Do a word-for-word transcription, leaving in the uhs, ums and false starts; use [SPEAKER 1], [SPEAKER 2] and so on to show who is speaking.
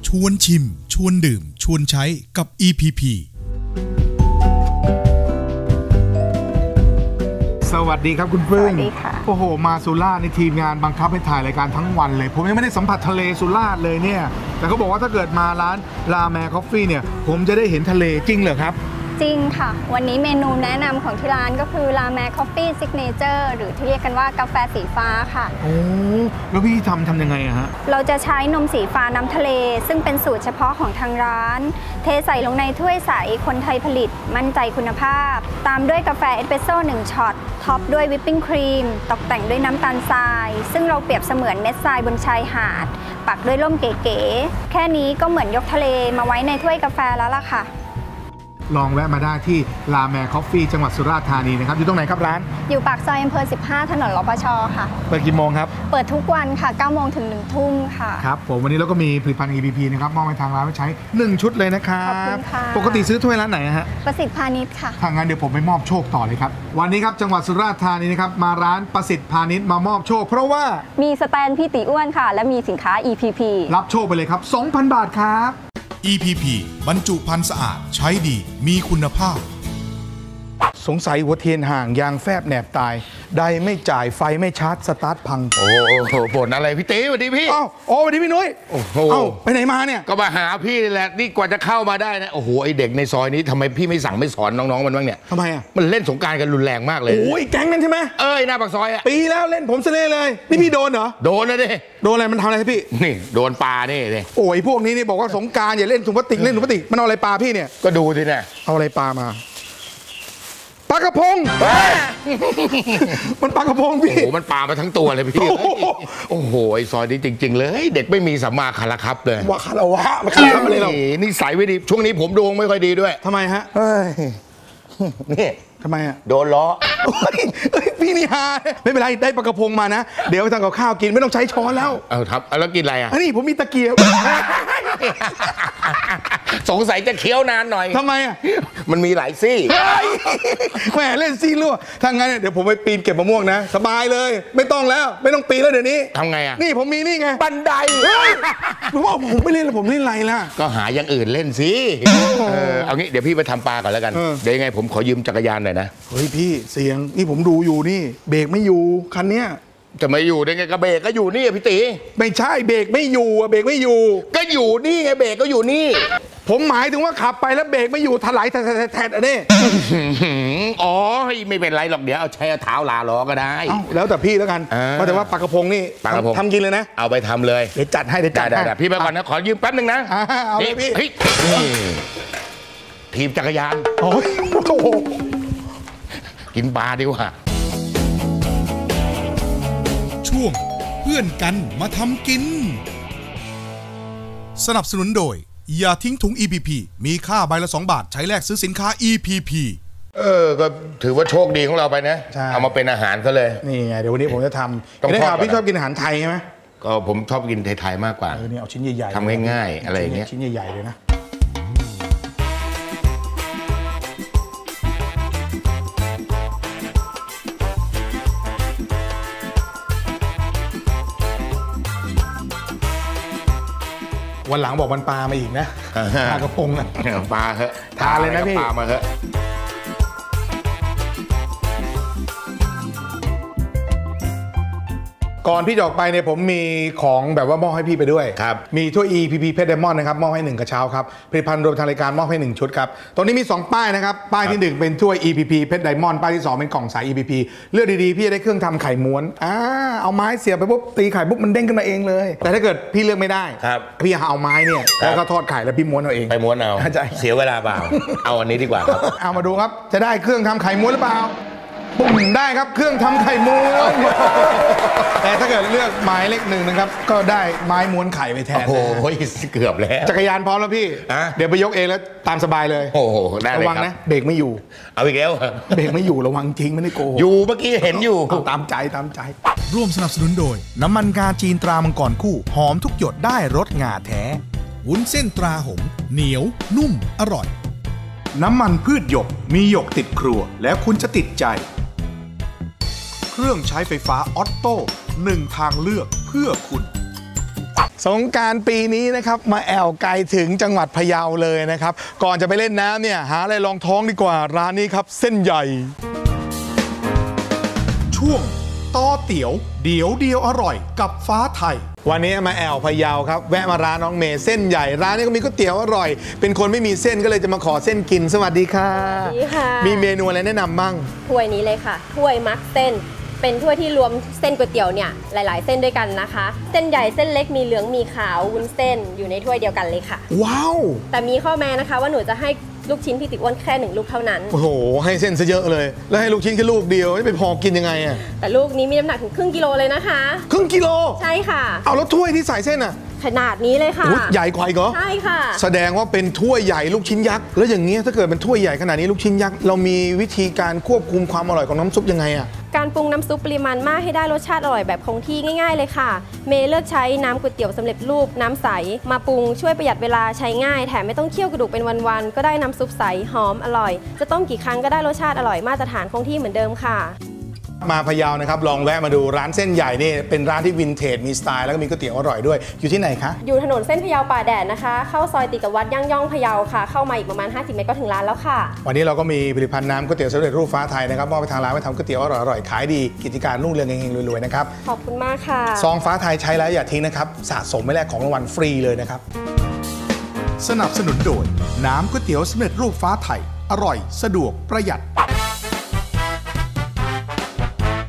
[SPEAKER 1] ชวนชิมชวนดื่มชวนใช้กับ อี พี พี
[SPEAKER 2] สวัสดีครับคุณพึ่ง
[SPEAKER 3] สวัสดีค่ะ
[SPEAKER 2] โอ้โหมาสุราษฎร์ในทีมงานบังคับให้ถ่ายรายการทั้งวันเลยผมยังไม่ได้สัมผัสทะเลสุราษฎร์เลยเนี่ยแต่เขาบอกว่าถ้าเกิดมาร้านลาแมคอฟฟี่เนี่ยผมจะได้เห็นทะเลจริงเหรอครับ
[SPEAKER 3] จริงค่ะวันนี้เมนูแนะนำของที่ร้านก็คือลาแมคอฟฟี่ซิกเนเจอร์หรือที่เรียกกันว่ากาแฟสีฟ้าค่ะ
[SPEAKER 2] โอ้แล้วพี่ทำทำยังไงอะฮะ
[SPEAKER 3] เราจะใช้นมสีฟ้าน้ำทะเลซึ่งเป็นสูตรเฉพาะของทางร้านเทใส่ลงในถ้วยใสคนไทยผลิตมั่นใจคุณภาพตามด้วยกาแฟเอสเปรสโซ่หนึ่งช็อตท็อปด้วยวิปปิ้งครีมตกแต่งด้วยน้ำตาลทรายซึ่งเราเปรียบเสมือนเม็ดทรายบนชายหาดปักด้วยร่มเก๋ๆแค่นี้ก็เหมือนยกทะเลมาไว้ในถ้วยกาแฟแล้วล่ะค่ะ
[SPEAKER 2] ลองแวะมาได้ที่ลาแมคอฟฟี่จังหวัดสุราษฎร์ธานีนะครับอยู่ตรงไหนครับร้าน
[SPEAKER 3] อยู่ปากซอยอำเภอสิบห้าถนนรปช.ค่ะ
[SPEAKER 2] เปิดกี่โมงครับ
[SPEAKER 3] เปิดทุกวันค่ะเก้าโมงถึงหนึ่งทุ่มค่ะ
[SPEAKER 2] ครับผมวันนี้เราก็มีผลิตภัณฑ์ อี พี พี นะครับมอบให้ทางร้านไว้ใช้หนึ่งชุดเลยนะครับ
[SPEAKER 3] ขอบคุณค่ะ
[SPEAKER 2] ปกติซื้อถ้วยร้านไหนฮะ
[SPEAKER 3] ประสิทธิ์พาณิชย์ค่ะ
[SPEAKER 2] ถ้างั้นเดี๋ยวผมไปมอบโชคต่อเลยครับวันนี้ครับจังหวัดสุราษฎร์ธานีนะครับมาร้านประสิทธิ์พาณิชย์มามอบโชคเพราะว่า
[SPEAKER 3] มีสแตนพี่ติอ้วนค่ะและมีสินค้า อี พี พี
[SPEAKER 2] รับโชคไปเลยครับ สองพัน บาทครับ
[SPEAKER 1] อี พี พี บรรจุภัณฑ์สะอาดใช้ดีมีคุณภาพ
[SPEAKER 2] สงสัยหัวเทียนห่างยางแฟบแหนบตายไดไม่จ่ายไฟไม่ชาร์จสตาร์ทพัง
[SPEAKER 4] โอ้โหบ่นอะไรพี่ตีสวัสดีพี่
[SPEAKER 2] อ้าวโอ้สวัสดีพี่นุ้ย
[SPEAKER 4] โอ้โห
[SPEAKER 2] ไปไหนมาเนี่ย
[SPEAKER 4] ก็มาหาพี่นี่แหละนี่กว่าจะเข้ามาได้นะโอ้โหไอเด็กในซอยนี้ทำไมพี่ไม่สั่งไม่สอนน้องๆมันบ้างเนี่ย
[SPEAKER 2] ทำไมอ่ะ
[SPEAKER 4] มันเล่นสงกรานต์กันรุนแรงมากเลย
[SPEAKER 2] โอ้ยแก๊งนั้นใช่ไหม
[SPEAKER 4] เอ้ยหน้าปากซอยอ่ะ
[SPEAKER 2] ปีแล้วเล่นผมเสน่ห์เลยนี่พี่โดนเหรอ
[SPEAKER 4] โดนนะดิ
[SPEAKER 2] โดนอะไรมันทำอะไรพี่
[SPEAKER 4] นี่โดนปลานี่เลย
[SPEAKER 2] โอ้ยพวกนี้นี่บอกว่าสงกรานต์อย่าเล่นถุงพลาสติกเล่นถุงพลาสติกมันเอาอะไรปลาพี่เนี่ย
[SPEAKER 4] ก็ดูสิเนี่ย
[SPEAKER 2] เอาอะไรปลามาปลากระพงมันปลากระพงพี่
[SPEAKER 4] โอ้โหมันปลามาทั้งตัวเลยพี่โอ้โหไอซอยนี้จริงๆเลยเด็กไม่มีสัมมาคารครับเลย
[SPEAKER 2] ว่าคารวะมาคารวะอะไรเรา
[SPEAKER 4] นี่ใส่ไม่ดีช่วงนี้ผมดวงไม่ค่อยดีด้วย
[SPEAKER 2] ทำไมฮะ
[SPEAKER 4] นี่
[SPEAKER 2] ทำไมอ่ะ
[SPEAKER 4] โดนล้อ
[SPEAKER 2] พี่นี่ฮาไม่เป็นไรได้ปลากระพงมานะเดี๋ยวทำกับข้าวกินไม่ต้องใช้ช้อนแล้ว
[SPEAKER 4] เอาครับแล้วกินอะไรอ่ะ
[SPEAKER 2] อันนี้ผมมีตะเกียบ
[SPEAKER 4] สงสัยจะเคี้ยวนานหน่อย
[SPEAKER 2] ทำไมอ่ะ
[SPEAKER 4] มันมีหลายซี่
[SPEAKER 2] แหมเล่นซี่รั่วถ้างั้นเดี๋ยวผมไปปีนเก็บมะม่วงนะสบายเลยไม่ต้องแล้วไม่ต้องปีนแล้วเดี๋ยวนี้
[SPEAKER 4] ทำไงอ่ะ
[SPEAKER 2] นี่ผมมีนี่ไง
[SPEAKER 4] บันได
[SPEAKER 2] ผมว่าผมไม่เล่นแล้วผมเล่นอะไรล่ะ
[SPEAKER 4] ก็หาอย่างอื่นเล่นสิเอางี้เดี๋ยวพี่ไปทำปลาก่อนแล้วกันเดี๋ยวยังไงผมขอยืมจักรยานหน่อยนะ
[SPEAKER 2] เฮ้ยพี่เสียงนี่ผมดูอยู่นี่เบรกไม่อยู่คันเนี้ย
[SPEAKER 4] จะไม่อยู่ได้ไงก็เบรกก็อยู่นี่พี่ตี
[SPEAKER 2] ไม่ใช่เบรกไม่อยู่อะเบรกไม่อยู่
[SPEAKER 4] ก็อยู่นี่ไงเบรกก็อยู่นี่
[SPEAKER 2] ผมหมายถึงว่าขับไปแล้วเบรกไม่อยู่ถลายแทะๆอันนี้
[SPEAKER 4] อ๋อไม่เป็นไรหรอกเดี๋ยวเอาใช้เท้าลาล้อก็ได้
[SPEAKER 2] แล้วแต่พี่แล้วกันเพราะแต่ว่าปลากระพงนี่
[SPEAKER 4] ปลากระพง
[SPEAKER 2] ทำกินเลยนะ
[SPEAKER 4] เอาไปทำเลย
[SPEAKER 2] เดี๋ยวจัดให้เดี๋ยวจัดให้
[SPEAKER 4] พี่ไปก่อนนะขอยืมแป๊บนึงนะ
[SPEAKER 2] เอาเลยพี่
[SPEAKER 4] ทีมจักรยาน
[SPEAKER 2] โอ้ย
[SPEAKER 4] กินปลาดีกว่า
[SPEAKER 1] ช่วงเพื่อนกันมาทำกินสนับสนุนโดยอย่าทิ้งถุง อี พี พี มีค่าใบละสองบาทใช้แลกซื้อสินค้า อี พี พี
[SPEAKER 4] เออก็ถือว่าโชคดีของเราไปนะเอามาเป็นอาหารซะเลย
[SPEAKER 2] นี่ไงเดี๋ยววันนี้ผมจะทำได้ข่าวพี่ชอบกินอาหารไทยใช่ไหม
[SPEAKER 4] ก็ผมชอบกินไทยๆมากกว่า
[SPEAKER 2] เออเนี่ยเอาชิ้นใหญ่
[SPEAKER 4] ๆทำง่ายๆอะไรอย่างเงี้ย
[SPEAKER 2] ชิ้นใหญ่ๆเลยนะวันหลังบอกมันปลามาอีกนะปลากระพงอ่ะ
[SPEAKER 4] ปลาเหอะ
[SPEAKER 2] ทานเลยนะพี่
[SPEAKER 4] ปลามาเหอะ
[SPEAKER 2] ก่อนพี่จะออกไปเนี่ยผมมีของแบบว่ามอบให้พี่ไปด้วย
[SPEAKER 4] ครับ
[SPEAKER 2] มีถ้วย อี พี พี เพชรไดมอนด์นะครับมอบให้หนึ่งกระเช้าครับผลิตภัณฑ์รวมทางรายการมอบให้หนึ่งชุดครับตรงนี้มีสองป้ายนะครับป้ายที่หนึ่งเป็นถ้วย อี พี พี เพชรไดมอนด์ป้ายที่สองเป็นกล่องสาย อี พี พี เลือกดีๆพี่จะได้เครื่องทำไข่ม้วนอ่าเอาไม้เสียบไปปุ๊บตีไข่ปุ๊บมันเด้งขึ้นมาเองเลยแต่ถ้าเกิดพี่เลือกไม่ได้พี่เอาไม้เนี่ยแล้วก็ทอดไข่แล้วพี่ม้วนเอาเอง
[SPEAKER 4] ไปม้วนเอาเสียเวลาเปล่าเอาอันนี้ดีกว่าครับ
[SPEAKER 2] เอามาดูครับจะได้เครื่องทำไข่ม้วนหรือเปล่าปุ่มได้ครับเครื่องทำไข่ม้วนแต่ถ้าเกิดเลือกไม้เล็กหนึ่งนะครับก็ได้ไม้ม้วนไข่ไปแทน
[SPEAKER 4] โอ้โหเกือบแล้ว
[SPEAKER 2] จักรยานพร้อมแล้วพี่เดี๋ยวไปยกเองแล้วตามสบายเลย
[SPEAKER 4] โอ้โหได้เลย
[SPEAKER 2] ระวังนะเบรกไม่อยู่
[SPEAKER 4] เอาอีกแล้ว
[SPEAKER 2] เบรกไม่อยู่ระวังจริงไม่ได้โกหก
[SPEAKER 4] อยู่เมื่อกี้เห็นอยู่
[SPEAKER 2] ตามใจตามใจ
[SPEAKER 1] ร่วมสนับสนุนโดยน้ำมันงาจีนตรามังกรคู่หอมทุกหยดได้รสงาแท้วุ้นเส้นตราหงเหนียวนุ่มอร่อยน้ำมันพืชหยกมีหยกติดครัวแล้วคุณจะติดใจเครื่องใช้ไฟฟ้าออตโต้หนึ่งทางเลือกเพื่อคุณ
[SPEAKER 2] สงกรานต์ปีนี้นะครับมาแอวไกลถึงจังหวัดพะเยาเลยนะครับก่อนจะไปเล่นน้ำเนี่ยหาอะไรรองท้องดีกว่าร้านนี้ครับเส้นใหญ่
[SPEAKER 1] ช่วงต่อเตี๋ยวเดี๋ยวเดียวอร่อยกับฟ้าไทย
[SPEAKER 2] วันนี้มาแอวพะเยาครับแวะมาร้านน้องเมย์เส้นใหญ่ร้านนี้ก็มีก๋วยเตี๋ยวอร่อยเป็นคนไม่มีเส้นก็เลยจะมาขอเส้นกินสวัสดีค่ะ
[SPEAKER 5] สวัสดีค่ะ
[SPEAKER 2] มีเมนูอะไรแนะนำบ้าง
[SPEAKER 5] ถ้วยนี้เลยค่ะถ้วยมักเส้นเป็นถ้วยที่รวมเส้นก๋วยเตี๋ยวเนี่ยหลายๆเส้นด้วยกันนะคะเส้นใหญ่เส้นเล็กมีเหลืองมีขาววุ้นเส้นอยู่ในถ้วยเดียวกันเลยค่ะ
[SPEAKER 2] ว้าว
[SPEAKER 5] แต่มีข้อแม้นะคะว่าหนูจะให้ลูกชิ้นพี่ติอ้วนแค่หนึ่งลูกเท่านั้น
[SPEAKER 2] โอ้โหให้เส้นซะเยอะเลยแล้วให้ลูกชิ้นแค่ลูกเดียวจะไปพอกินยังไงอะ
[SPEAKER 5] แต่ลูกนี้มีน้ำหนักถึงครึ่งกิโลเลยนะคะ
[SPEAKER 2] ครึ่งกิโล
[SPEAKER 5] ใช่ค่ะ
[SPEAKER 2] เอาแล้วถ้วยที่ใส่เส้นอะ
[SPEAKER 5] ขนาดนี้เลยค่ะ
[SPEAKER 2] ใหญ่กว่าอีกเหรอ
[SPEAKER 5] ใช่ค่ะ
[SPEAKER 2] แสดงว่าเป็นถ้วยใหญ่ลูกชิ้นยักษ์แล้วอย่างเงี้ยถ้าเกิดเป็นถ้วยใหญ่ขนาดนี้ลูกชิ้นยักษ์เรามีวิธีการควบคุมความอร่อยของน้ำซุปยังไงอะ
[SPEAKER 5] การปรุงน้ำซุปปริมาณมากให้ได้รสชาติอร่อยแบบคงที่ง่ายๆเลยค่ะเมย์เลือกใช้น้ำก๋วยเตี๋ยวสำเร็จรูปน้ำใสมาปรุงช่วยประหยัดเวลาใช้ง่ายแถมไม่ต้องเคี่ยวกระดูกเป็นวันๆก็ได้น้ำซุปใสหอมอร่อยจะต้มกี่ครั้งก็ได้รสชาติอร่อยมาตรฐานคงที่เหมือนเดิมค่ะ
[SPEAKER 2] มาพะเยานะครับลองแวะมาดูร้านเส้นใหญ่นี่เป็นร้านที่วินเทจมีสไตล์แล้วก็มีก๋วยเตี๋ยวอร่อยด้วยอยู่ที่ไหนคะ
[SPEAKER 5] อยู่ถนนเส้นพะเยาป่าแดดนะคะเข้าซอยติดกับวัดย่างย่องพะเยาค่ะเข้ามาอีกประมาณห้าสิบเมตรก็ถึงร้านแล้วค่ะ
[SPEAKER 2] วันนี้เราก็มีผลิตภัณฑ์น้ำก๋วยเตี๋ยวสำเร็จรูปฟ้าไทยนะครับมอบไปทางร้านไว้ทำก๋วยเตี๋ยวอร่อยๆขายดีกิจการรุ่งเรืองเฮงๆรวยๆนะครับ
[SPEAKER 5] ขอบคุณมากค่ะ
[SPEAKER 2] ซองฟ้าไทยใช้แล้วอย่าทิ้งนะครับสะสมไม่แลกของรางวัลฟรีเลยนะครับ
[SPEAKER 1] สนับสนุนโดยน้ำก๋วยเตี๋ยวสำเร็จรูปฟ้าไทยอร่อยสะดวกประหยัด